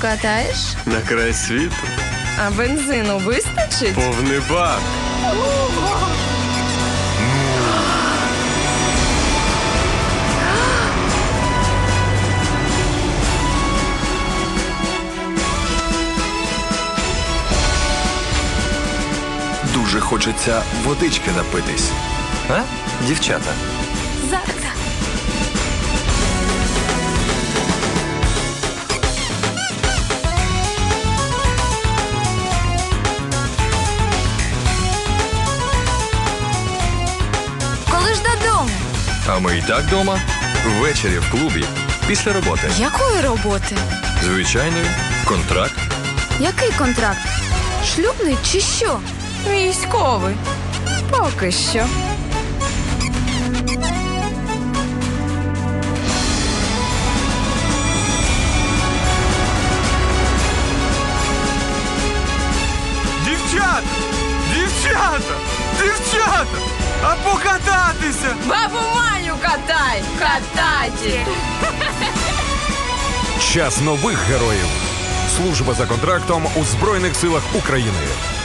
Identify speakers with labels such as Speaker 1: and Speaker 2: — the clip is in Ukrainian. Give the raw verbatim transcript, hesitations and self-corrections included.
Speaker 1: покатаєш?
Speaker 2: На край світу.
Speaker 1: А бензину вистачить?
Speaker 2: Повний бак.
Speaker 3: Дуже хочеться водички напитись. А, дівчата?
Speaker 1: Зараз. Коли ж додому?
Speaker 3: А ми і так дома. Ввечері в клубі. Після роботи.
Speaker 1: Якої роботи?
Speaker 3: Звичайної. Контракт.
Speaker 1: Який контракт? Шлюбний чи що? Військовий. Поки що.
Speaker 2: Дівчата! Дівчата! Дівчата! А покататися!
Speaker 1: Бабу Маню катай! Катайте!
Speaker 4: Час нових героїв. Служба за контрактом у Збройних силах України.